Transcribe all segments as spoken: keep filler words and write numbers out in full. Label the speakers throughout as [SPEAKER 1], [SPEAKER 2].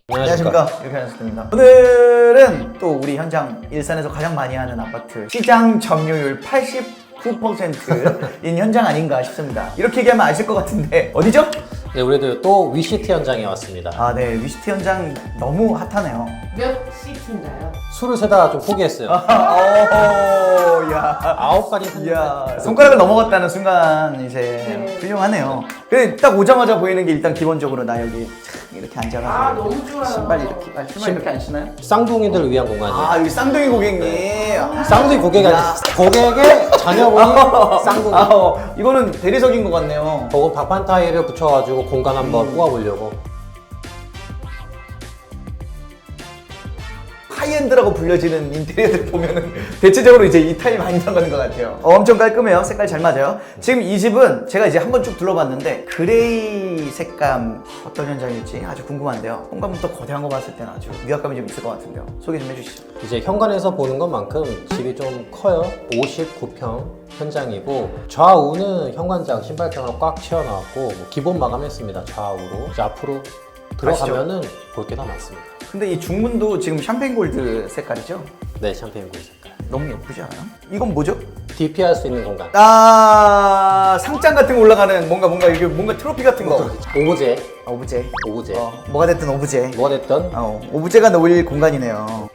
[SPEAKER 1] 안녕하십니까, 유현수입니다. 오늘은 또 우리 현장 일산에서 가장 많이 하는 아파트 시장 점유율 팔십구 퍼센트인 현장 아닌가 싶습니다. 이렇게 얘기하면 아실 것 같은데 어디죠?
[SPEAKER 2] 네, 우리도 또 위시티 현장에 왔습니다.
[SPEAKER 1] 아, 네, 위시티 현장 너무 핫하네요.
[SPEAKER 3] 몇 시티인가요?
[SPEAKER 2] 술을 세다가 좀 포기했어요.
[SPEAKER 1] 오, 야,
[SPEAKER 2] 아홉 가지
[SPEAKER 1] 야, 손가락을 넘어갔다는 순간 이제
[SPEAKER 3] 네.
[SPEAKER 1] 훌륭하네요. 근데 딱 오자마자 보이는 게 일단 기본적으로 나 여기 참 이렇게 앉아가지고
[SPEAKER 3] 아, 너무 좋아요.
[SPEAKER 1] 신발 이렇게, 아, 신발 이렇게 안 신나요?
[SPEAKER 2] 쌍둥이들을 위한 공간이에요.
[SPEAKER 1] 아, 여기 쌍둥이 고객님. 아,
[SPEAKER 2] 쌍둥이 고객이 아니라 고객의 자녀분이 쌍둥이.
[SPEAKER 1] 아, 어, 이거는 대리석인 것 같네요.
[SPEAKER 2] 저거 박판 타일을 붙여가지고 공간 한번
[SPEAKER 1] 음.
[SPEAKER 2] 뽑아보려고.
[SPEAKER 1] 하이엔드라고 불려지는 인테리어들 보면은 대체적으로 이제 이 타입 많이 들어가는 것 같아요. 어, 엄청 깔끔해요. 색깔 잘 맞아요. 지금 이 집은 제가 이제 한번 쭉 둘러봤는데 그레이 색감 어떤 현장일지 아주 궁금한데요. 현관부터 거대한 거 봤을 때는 아주 위압감이 좀 있을 것 같은데요. 소개 좀 해주시죠.
[SPEAKER 2] 이제 현관에서 보는 것만큼 집이 좀 커요. 오십구 평 현장이고 좌우는 현관장 신발장으로 꽉 채워놨고 뭐 기본 마감했습니다. 좌우로. 이제 앞으로 들어가면은 볼 게 더 많습니다.
[SPEAKER 1] 근데 이 중문도 지금 샴페인 골드 색깔이죠?
[SPEAKER 2] 네, 샴페인 굴 색깔.
[SPEAKER 1] 너무 예쁘지 않아요? 이건 뭐죠?
[SPEAKER 2] 디피할 수 있는 공간.
[SPEAKER 1] 아, 상장 같은 거 올라가는 뭔가 뭔가 이게 뭔가 트로피 같은 거.
[SPEAKER 2] 오브제.
[SPEAKER 1] 아, 오브제.
[SPEAKER 2] 오브제.
[SPEAKER 1] 어, 뭐가 됐든 오브제.
[SPEAKER 2] 뭐가 됐던
[SPEAKER 1] 어, 오브제가 놓일 공간이네요.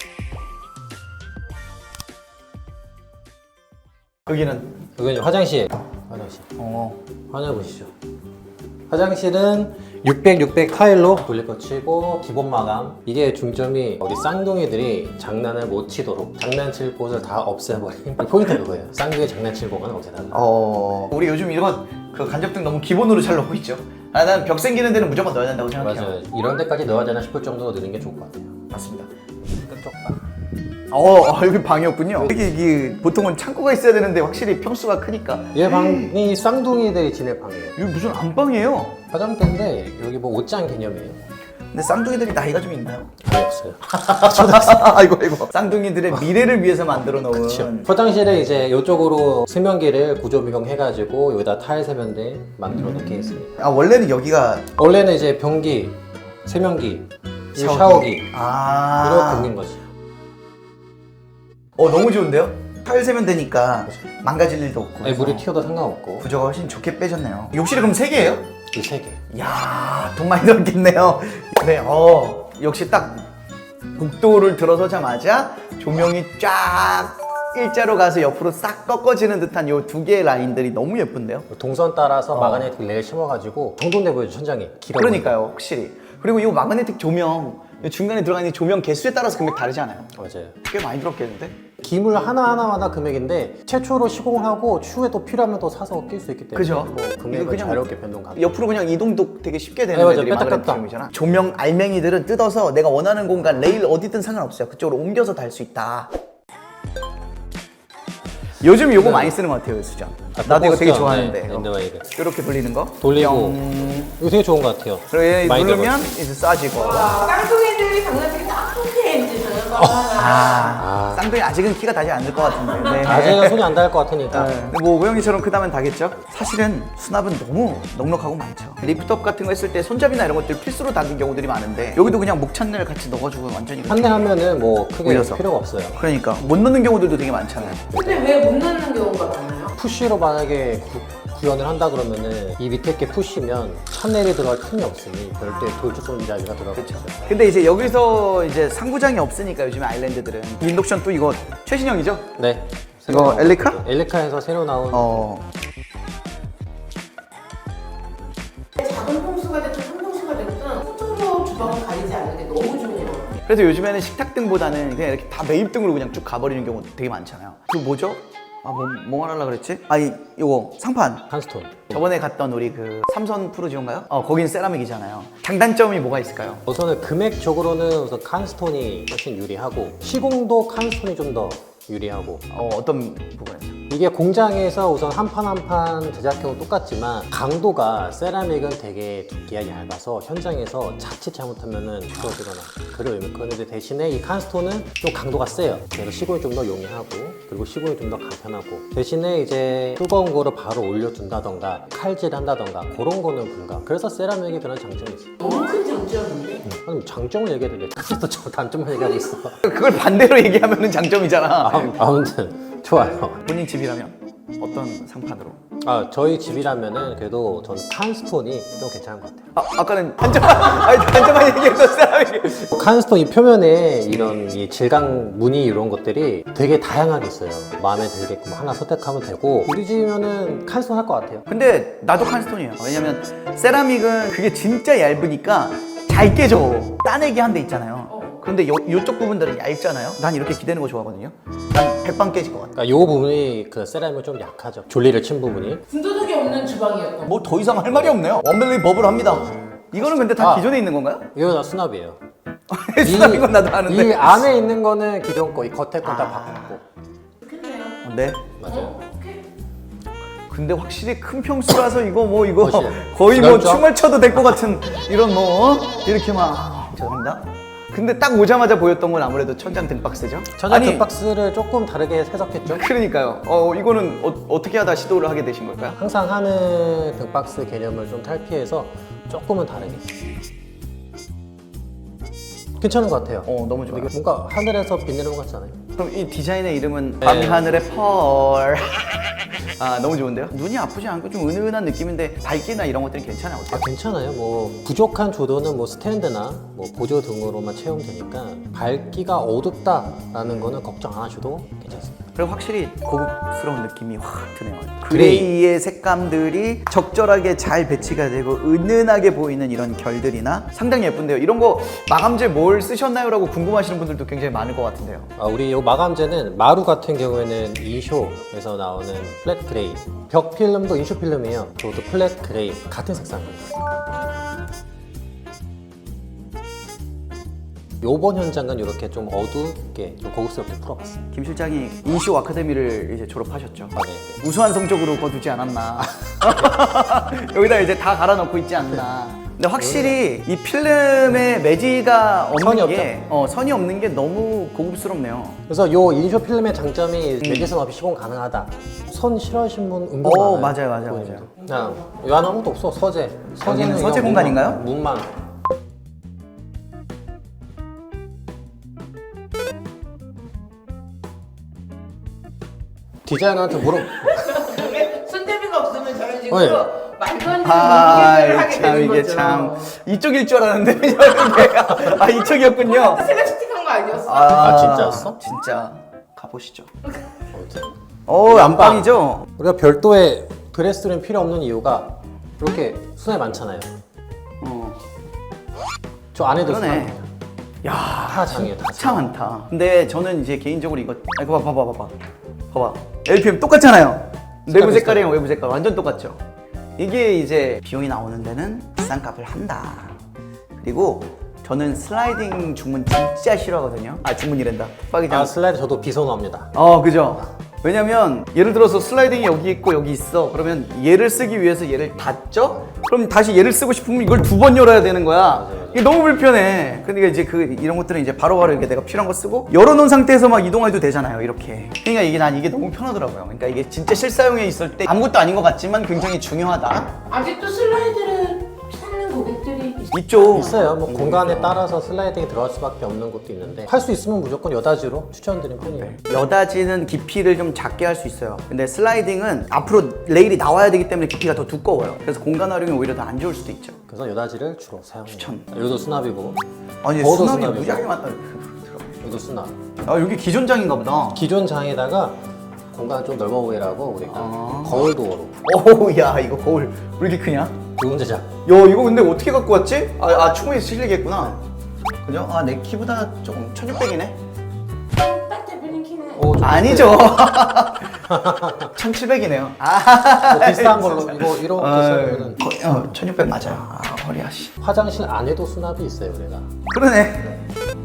[SPEAKER 1] 여기는
[SPEAKER 2] 여기 화장실. 화장실.
[SPEAKER 1] 어,
[SPEAKER 2] 화장실 보시죠. 화장실은 육백, 육백 타일로 돌릴 거 치고 기본 마감. 이게 중점이 우리 쌍둥이들이 장난을 못 치도록 장난칠 곳을 다 없애버린 포인트 그거예요. 쌍둥이 장난칠 공간을 없애달라.
[SPEAKER 1] 어, 우리 요즘 이런 그 간접등 너무 기본으로 잘 넣고 있죠. 아, 난 벽 생기는 데는 무조건 넣어야 된다고 생각해요.
[SPEAKER 2] 맞아요. 이런 데까지 넣어야 되나 싶을 정도로 넣는 게 좋을 것 같아요.
[SPEAKER 1] 맞습니다.
[SPEAKER 2] 끝쪽 방.
[SPEAKER 1] 어, 아, 여기 방이었군요. 이게, 이게 보통은 창고가 있어야 되는데 확실히 평수가 크니까.
[SPEAKER 2] 얘 방이 쌍둥이들이 지낼 방이에요.
[SPEAKER 1] 이거 무슨 안방이에요?
[SPEAKER 2] 화장대인데 여기 뭐 옷장 개념이에요.
[SPEAKER 1] 근데 쌍둥이들이 나이가 좀 있나요?
[SPEAKER 2] 아예 없어요.
[SPEAKER 1] 아이고 아이고. 쌍둥이들의 미래를 위해서 만들어 놓은.
[SPEAKER 2] 그렇죠. 화장실에 이제 이쪽으로 세면기를 구조 변경해가지고 여기다 타일 세면대 만들어 놓게 했습니다.
[SPEAKER 1] 아, 원래는 여기가
[SPEAKER 2] 원래는 이제 변기, 세면기, 이
[SPEAKER 1] 샤워기.
[SPEAKER 2] 샤워기
[SPEAKER 1] 아.
[SPEAKER 2] 이렇게 생긴 거지.
[SPEAKER 1] 어, 너무 좋은데요? 타일 세면 되니까 망가질 일도 없고.
[SPEAKER 2] 아니, 물이
[SPEAKER 1] 그래서
[SPEAKER 2] 튀어도 상관없고.
[SPEAKER 1] 구조가 훨씬 좋게 빼졌네요. 욕실이 그럼 세 개예요?
[SPEAKER 2] 이 세 개.
[SPEAKER 1] 이야, 돈 많이 들었겠네요. 네, 어, 역시 딱 복도를 들어서자마자 조명이 쫙 일자로 가서 옆으로 싹 꺾어지는 듯한 요 두 개의 라인들이 너무 예쁜데요?
[SPEAKER 2] 동선 따라서
[SPEAKER 1] 어.
[SPEAKER 2] 마그네틱 레일 심어가지고 정돈돼 보여요 천장이. 길어
[SPEAKER 1] 그러니까요, 확실히. 그리고 이 마그네틱 조명, 이 중간에 들어가는 이 조명 개수에 따라서 금액 다르지 않아요?
[SPEAKER 2] 보여요. 맞아요.
[SPEAKER 1] 꽤 많이 들었겠는데?
[SPEAKER 2] 기물 하나하나마다 금액인데 최초로 시공을 하고 추후에 또 필요하면 또 사서 낄 수 있기 때문에
[SPEAKER 1] 그죠?
[SPEAKER 2] 뭐
[SPEAKER 1] 이거
[SPEAKER 2] 금액은
[SPEAKER 1] 그냥
[SPEAKER 2] 자유롭게 변동 가능.
[SPEAKER 1] 옆으로 그냥 이동도 되게 쉽게 되는
[SPEAKER 2] 네, 맞아요.
[SPEAKER 1] 애들이
[SPEAKER 2] 뺐다
[SPEAKER 1] 마그네틱
[SPEAKER 2] 뺐다.
[SPEAKER 1] 조명이잖아. 조명 알맹이들은 뜯어서 내가 원하는 공간 레일 어디든 상관없어요. 그쪽으로 옮겨서 달 수 있다. 요즘 요거 많이 쓰는 것 같아요, 수정. 나도 이거 되게 좋아하는데.
[SPEAKER 2] 네,
[SPEAKER 1] 어.
[SPEAKER 2] 랜드마이드.
[SPEAKER 1] 이렇게 돌리는 거.
[SPEAKER 2] 돌리고
[SPEAKER 1] 뿅.
[SPEAKER 2] 이거 되게 좋은 것 같아요.
[SPEAKER 1] 그리고 얘
[SPEAKER 2] 많이
[SPEAKER 1] 누르면
[SPEAKER 2] 들어가죠.
[SPEAKER 1] 이제 쏴지고.
[SPEAKER 3] 와, 깡통이들이 장난치기 나쁘게 이제 저녁
[SPEAKER 1] 아, 쌍둥이 아직은 키가 닿지 않을 것 같은데. 네.
[SPEAKER 2] 아직은 손이 안 닿을 것 같으니까.
[SPEAKER 1] 네. 뭐 오고영이처럼 크다면 다겠죠? 사실은 수납은 너무 넉넉하고 많죠. 리프트업 같은 거 했을 때 손잡이나 이런 것들 필수로 닿는 경우들이 많은데 여기도 그냥 목찬을 같이 넣어주고 완전히
[SPEAKER 2] 한 대 하면은 뭐 크게
[SPEAKER 1] 올려서.
[SPEAKER 2] 필요가 없어요.
[SPEAKER 1] 그러니까 못 넣는 경우들도 되게 많잖아요.
[SPEAKER 3] 근데 왜 못 넣는 경우가 많아요?
[SPEAKER 2] 푸시로 만약에 구, 구현을 한다 그러면은 이 밑에 게 푸시면 찬넬이 들어갈 틈이 없으니 별도의 돌출 손잡이가 들어가겠죠.
[SPEAKER 1] 근데 이제 여기서 이제 상부장이 없으니까 요즘에 아일랜드들은 인덕션 또 이거 최신형이죠?
[SPEAKER 2] 네.
[SPEAKER 1] 이거
[SPEAKER 2] 새로
[SPEAKER 1] 엘리카?
[SPEAKER 2] 나온 거죠. 엘리카에서 새로 나온
[SPEAKER 1] 어.
[SPEAKER 3] 작은 평수가 됐든 큰 평수가 됐든 후드로 주방을 가리지 않는 게 너무 좋은 것 같아요.
[SPEAKER 1] 그래서 요즘에는 식탁등보다는 그냥 이렇게 다 매입등으로 그냥 쭉 가버리는 경우 되게 많잖아요. 그 뭐죠? 아, 뭐, 뭐 말하려고 그랬지? 아니, 요거 상판.
[SPEAKER 2] 칸스톤.
[SPEAKER 1] 저번에 갔던 우리 그 삼선 프로지온가요? 어, 거긴 세라믹이잖아요. 장단점이 뭐가 있을까요?
[SPEAKER 2] 우선은 금액적으로는 우선 칸스톤이 훨씬 유리하고 시공도 칸스톤이 좀 더 유리하고
[SPEAKER 1] 어, 어떤 부분에서?
[SPEAKER 2] 이게 공장에서 우선 한 판 한 판 제작형은 똑같지만 강도가 세라믹은 되게 두께가 얇아서 현장에서 자칫 잘못하면은 부러지거나 그런 의미. 그런데 대신에 이 칸스톤은 좀 강도가 세요. 그래서 시공이 좀 더 용이하고 그리고 시공이 좀 더 간편하고 대신에 이제 뜨거운 거를 바로 올려준다던가 칼질 한다던가 그런 거는 불가. 그래서 세라믹이 그런 장점이 있어요.
[SPEAKER 3] 너무 큰 장점인데
[SPEAKER 2] 아니 장점을 얘기해도 돼. 그래서 저 단점만 얘기하고 있어.
[SPEAKER 1] 그걸 반대로 얘기하면 장점이잖아.
[SPEAKER 2] 아무- 아무튼 좋아요.
[SPEAKER 1] 본인 집이라면 어떤 상판으로?
[SPEAKER 2] 아 저희 집이라면은 그래도 전 칸스톤이 좀 괜찮은 것 같아요.
[SPEAKER 1] 아, 아까는 단점, 아니 단점만 얘기했던 사람이.
[SPEAKER 2] 칸스톤 이 표면에 이런 이 질감 무늬 이런 것들이 되게 다양하게 있어요. 마음에 들게끔 하나 선택하면 되고 우리 집이면은 칸스톤 할 것 같아요.
[SPEAKER 1] 근데 나도 칸스톤이에요. 왜냐면 세라믹은 그게 진짜 얇으니까 잘 깨져. 따내기 한 데 있잖아요. 근데 요, 요쪽 부분들은 얇잖아요. 난 이렇게 기대는 거 좋아하거든요. 난 백방 깨질 것 같아.
[SPEAKER 2] 그러니까 이 부분이 그 세라믹은 좀 약하죠. 졸리를 친 부분이.
[SPEAKER 3] 군더더기 없는 주방이었던
[SPEAKER 1] 뭐 더 이상 할 말이 없네요. 원벨리 버블 합니다. 이거는 근데 다
[SPEAKER 2] 아.
[SPEAKER 1] 기존에 있는 건가요?
[SPEAKER 2] 이거 다 수납이에요.
[SPEAKER 1] 수납인 건 나도 아는데.
[SPEAKER 2] 이 안에 있는 거는 기존 거, 이 겉에 건 다 바꿨고.
[SPEAKER 3] 좋겠네요.
[SPEAKER 1] 어, 네.
[SPEAKER 2] 맞아요.
[SPEAKER 3] 어? 오케이.
[SPEAKER 1] 근데 확실히 큰 평수라서 이거 뭐 이거
[SPEAKER 2] 훨씬
[SPEAKER 1] 거의 뭐
[SPEAKER 2] 넓죠?
[SPEAKER 1] 춤을 춰도 될 것 같은 이런 뭐 어? 이렇게 막 죄송합니다. 근데 딱 오자마자 보였던 건 아무래도 천장 등박스죠?
[SPEAKER 2] 천장
[SPEAKER 1] 아니,
[SPEAKER 2] 등박스를 조금 다르게 해석했죠.
[SPEAKER 1] 그러니까요. 어 이거는 어, 어떻게 하다 시도를 하게 되신 걸까요?
[SPEAKER 2] 항상 하는 등박스 개념을 좀 탈피해서 조금은 다르게. 괜찮은 것 같아요.
[SPEAKER 1] 어 너무 좋아요.
[SPEAKER 2] 이게 뭔가 하늘에서 비 내리는 것 같지 않아요?
[SPEAKER 1] 그럼 이 디자인의 이름은
[SPEAKER 2] 네.
[SPEAKER 1] 밤하늘의 펄. 아 너무 좋은데요? 눈이 아프지 않고 좀 은은한 느낌인데 밝기나 이런 것들이 괜찮아요.
[SPEAKER 2] 아
[SPEAKER 1] 어때요?
[SPEAKER 2] 괜찮아요. 뭐 부족한 조도는 뭐 스탠드나 뭐 보조 등으로만 채우면 되니까 밝기가 어둡다라는 거는 걱정 안 하셔도 괜찮습니다.
[SPEAKER 1] 그리고 확실히 고급스러운 느낌이 확 드네요.
[SPEAKER 2] 그레이.
[SPEAKER 1] 그레이의 색감들이 적절하게 잘 배치가 되고 은은하게 보이는 이런 결들이나 상당히 예쁜데요. 이런 거 마감재 뭘 쓰셨나요? 라고 궁금하시는 분들도 굉장히 많을 것 같은데요.
[SPEAKER 2] 아, 우리 이 마감재는 마루 같은 경우에는 인쇼에서 나오는 플랫 그레이, 벽 필름도 인쇼 필름이에요. 저도 플랫 그레이 같은 색상이에요. 요번 현장은 이렇게 좀 어둡게 좀 고급스럽게 풀어봤어요.
[SPEAKER 1] 김 실장이 인쇼 아카데미를 이제 졸업하셨죠.
[SPEAKER 2] 아, 네, 네.
[SPEAKER 1] 우수한 성적으로 거두지 않았나. 여기다 이제 다 갈아넣고 있지 않나. 근데 확실히 이 필름의 매지가
[SPEAKER 2] 선이
[SPEAKER 1] 없는 게 어, 선이 없는 게 너무 고급스럽네요.
[SPEAKER 2] 그래서 요 인쇼 필름의 장점이 매지선 없이 시공 가능하다. 선 싫어하시는 분 은근
[SPEAKER 1] 오,
[SPEAKER 2] 많아요.
[SPEAKER 1] 맞아요, 맞아요,
[SPEAKER 2] 고객님들. 그냥 요 안에 아무것도 없어. 서재.
[SPEAKER 1] 여기는 서재
[SPEAKER 2] 그냥
[SPEAKER 1] 공간인가요?
[SPEAKER 2] 문만. 문만. 디자이너한테 물어.
[SPEAKER 3] 손대비가 없으면 저런
[SPEAKER 2] 네.
[SPEAKER 3] 식으로 말도 안 되는
[SPEAKER 1] 아,
[SPEAKER 3] 얘기를 하게
[SPEAKER 1] 참
[SPEAKER 3] 되는
[SPEAKER 1] 이게
[SPEAKER 3] 거죠.
[SPEAKER 1] 참 이쪽일 줄 알았는데 이게 아 이쪽이었군요.
[SPEAKER 3] 제가 채팅한 거 아니었어?
[SPEAKER 2] 아, 진짜였어?
[SPEAKER 1] 진짜 가보시죠.
[SPEAKER 2] 아무튼.
[SPEAKER 1] 어 안방이죠.
[SPEAKER 2] 우리가 별도의 드레스룸 필요 없는 이유가 이렇게 수납이 많잖아요.
[SPEAKER 1] 어.
[SPEAKER 2] 저 안에도
[SPEAKER 1] 그러네.
[SPEAKER 2] 수납이
[SPEAKER 1] 야
[SPEAKER 2] 다 장이에요, 다
[SPEAKER 1] 진짜
[SPEAKER 2] 장.
[SPEAKER 1] 많다. 근데 저는 이제 개인적으로 이거 아 이거 봐봐 봐봐 봐봐 봐봐 엘피엠 똑같잖아요. 내부
[SPEAKER 2] 색깔
[SPEAKER 1] 색깔이랑 외부 색깔 완전 똑같죠. 이게 이제 비용이 나오는 데는 비싼 값을 한다. 그리고 저는 슬라이딩 중문 진짜 싫어하거든요. 아 중문이란다. 빡이장.
[SPEAKER 2] 아, 슬라이드 저도 비선호합니다.
[SPEAKER 1] 어 그죠. 왜냐면 예를 들어서 슬라이딩이 여기 있고 여기 있어. 그러면 얘를 쓰기 위해서 얘를 닫죠? 그럼 다시 얘를 쓰고 싶으면 이걸 두 번 열어야 되는 거야.
[SPEAKER 2] 맞아요, 맞아요.
[SPEAKER 1] 이게 너무 불편해. 근데 이제 그 이런 것들은 이제 바로바로 이렇게 내가 필요한 거 쓰고 열어놓은 상태에서 막 이동해도 되잖아요. 이렇게. 그러니까 이게 난 이게 너무 편하더라고요. 그러니까 이게 진짜 실사용에 있을 때 아무것도 아닌 것 같지만 굉장히 중요하다.
[SPEAKER 3] 아직도 슬라이드를 찾는 고객들이 있-
[SPEAKER 1] 있죠.
[SPEAKER 2] 있어요. 뭐 공간에 따라서 슬라이딩이 들어갈 수밖에 없는 것도 있는데 할 수 있으면 무조건 여다지로 추천드리는 편이에요.
[SPEAKER 1] 여다지는 깊이를 좀 작게 할 수 있어요. 근데 슬라이딩은 앞으로 레일이 나와야 되기 때문에 깊이가 더 두꺼워요. 그래서 공간 활용이 오히려 더 안 좋을 수도 있죠.
[SPEAKER 2] 그래서 여다지를 주로 사용해요.
[SPEAKER 1] 추천.
[SPEAKER 2] 여기도 수납이고
[SPEAKER 1] 아니
[SPEAKER 2] 더워도
[SPEAKER 1] 수납이
[SPEAKER 2] 수납이고.
[SPEAKER 1] 무지하게 많다.
[SPEAKER 2] 여기도 수납.
[SPEAKER 1] 아 여기 기존장인가 보다.
[SPEAKER 2] 기존 장에다가 공간 좀 넓어 보이라고 우리가
[SPEAKER 1] 아.
[SPEAKER 2] 거울 도어로
[SPEAKER 1] 오우 야 이거 거울 왜 이렇게 크냐? 야
[SPEAKER 2] 좋은 제작.
[SPEAKER 1] 이거 근데 어떻게 갖고 왔지? 아, 아 충분히 실리겠구나. 그죠? 아 내 키보다 조금 천육백이네.
[SPEAKER 3] 딱 대표님 키는
[SPEAKER 2] 오, 좀
[SPEAKER 1] 아니죠. 천칠백이네요. 아
[SPEAKER 2] 뭐 비슷한 걸로 이거 이렇게
[SPEAKER 1] 아,
[SPEAKER 2] 쓰면은
[SPEAKER 1] 어, 천육백 맞아요. 아 허리야 씨.
[SPEAKER 2] 화장실 안에도 수납이 있어요, 우리가.
[SPEAKER 1] 그러네.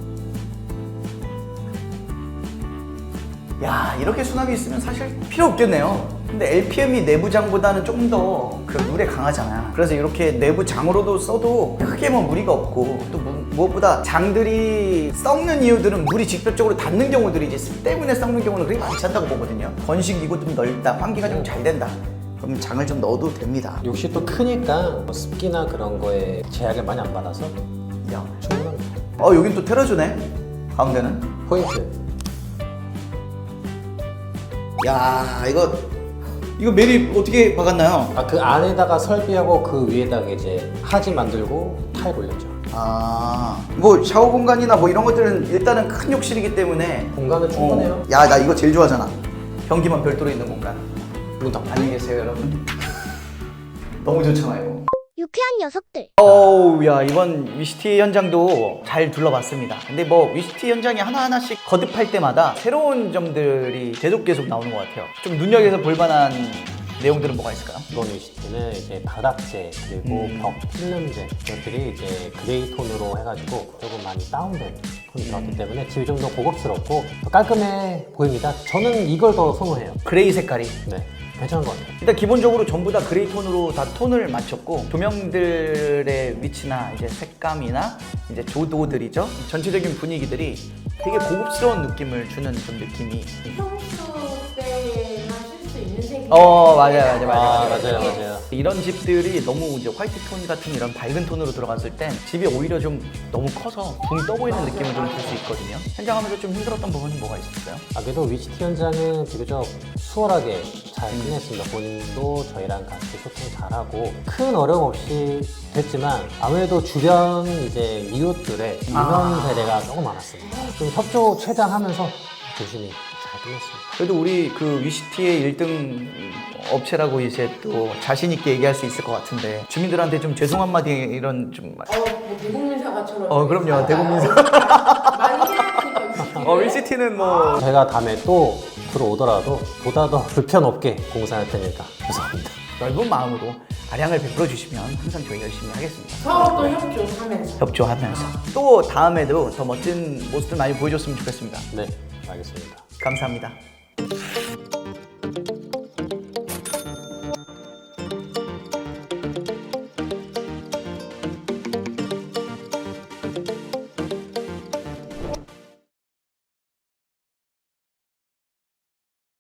[SPEAKER 1] 야 이렇게 수납이 있으면 사실 필요 없겠네요. 근데 엘피엠이 내부장보다는 조금 더 그 물에 강하잖아. 그래서 이렇게 내부장으로도 써도 크게 뭐 무리가 없고 또 무, 무엇보다 장들이 썩는 이유들은 물이 직접적으로 닿는 경우들이지 습 때문에 썩는 경우는 그렇게 많지 않다고 보거든요. 건식이고 좀 넓다, 환기가 좀 잘 된다. 그러면 장을 좀 넣어도 됩니다.
[SPEAKER 2] 욕실 또 크니까 뭐 습기나 그런 거에 제약을 많이 안 받아서
[SPEAKER 1] 야
[SPEAKER 2] 충분한
[SPEAKER 1] 어 여긴 또 테라조네. 가운데는.
[SPEAKER 2] 포인트.
[SPEAKER 1] 야 이거 이거 매립 어떻게 박았나요?
[SPEAKER 2] 아, 그 안에다가 설비하고 그 위에다가 이제 하지 만들고 타일 올렸죠.
[SPEAKER 1] 아, 뭐 샤워 공간이나 뭐 이런 것들은 일단은 큰 욕실이기 때문에
[SPEAKER 2] 공간은 충분해요.
[SPEAKER 1] 어, 야, 나 이거 제일 좋아하잖아. 변기만 별도로 있는 공간.
[SPEAKER 2] 문 닫고.
[SPEAKER 1] 안녕히 계세요, 여러분. 너무 좋잖아요.
[SPEAKER 4] 유쾌한 녀석들.
[SPEAKER 1] 어우, 야, 이번 위시티 현장도 잘 둘러봤습니다. 근데 뭐 위시티 현장이 하나하나씩 거듭할 때마다 새로운 점들이 계속 계속 나오는 것 같아요. 좀 눈여겨서 볼만한 내용들은 뭐가 있을까요?
[SPEAKER 2] 이번 위시티는 이제 바닥재 그리고
[SPEAKER 1] 음.
[SPEAKER 2] 벽 필름재 이것들이 이제 그레이 톤으로 해가지고 조금 많이 다운된 톤이 들어왔기 때문에 집이 좀 더 고급스럽고 더 깔끔해 보입니다. 저는 이걸 더 선호해요.
[SPEAKER 1] 그레이 색깔이.
[SPEAKER 2] 네, 괜찮은 것 같아요.
[SPEAKER 1] 일단 기본적으로 전부 다 그레이 톤으로 다 톤을 맞췄고 조명들의 위치나 이제 색감이나 이제 조도들이죠. 전체적인 분위기들이 되게 고급스러운 느낌을 주는 좀 느낌이.
[SPEAKER 3] 평소 때만 쓸 수 있는 색이.
[SPEAKER 1] 어 맞아요 맞아요 맞아요
[SPEAKER 2] 아, 맞아요, 맞아요.
[SPEAKER 1] 이런 집들이 너무 이제 화이트 톤 같은 이런 밝은 톤으로 들어갔을 땐 집이 오히려 좀 너무 커서 붕 떠 보이는 느낌을 좀 줄 수 있거든요. 현장하면서 좀 힘들었던 부분이 뭐가 있었어요?
[SPEAKER 2] 아, 그래도 위시티 현장은 비교적 수월하게 잘 끝냈습니다. 본인도 저희랑 같이 소통 잘하고 큰 어려움 없이 됐지만 아무래도 주변 이제 이웃들의 민원
[SPEAKER 1] 아.
[SPEAKER 2] 세대가 너무 많았습니다. 좀 협조 최대한 하면서 조심히 잘 끝냈습니다.
[SPEAKER 1] 그래도 우리 그 위시티의 일 등 업체라고 이제 또 자신 있게 얘기할 수 있을 것 같은데 주민들한테 좀 죄송 한마디 이런 좀
[SPEAKER 3] 어, 뭐 대국민사과처럼.
[SPEAKER 1] 어, 그럼요. 대국민사.
[SPEAKER 3] 많이 해야
[SPEAKER 1] 어, 위시티는 뭐
[SPEAKER 2] 제가 다음에 또 들어오더라도 보다 더 불편 없게 공사할 테니까 죄송합니다.
[SPEAKER 1] 넓은 마음으로 아량을 베풀어 주시면 항상 저희 열심히 하겠습니다.
[SPEAKER 3] 서로 또 협조하면서.
[SPEAKER 1] 협조하면서 또 다음에도 더 멋진 모습들 많이 보여줬으면 좋겠습니다.
[SPEAKER 2] 네, 알겠습니다.
[SPEAKER 1] 감사합니다.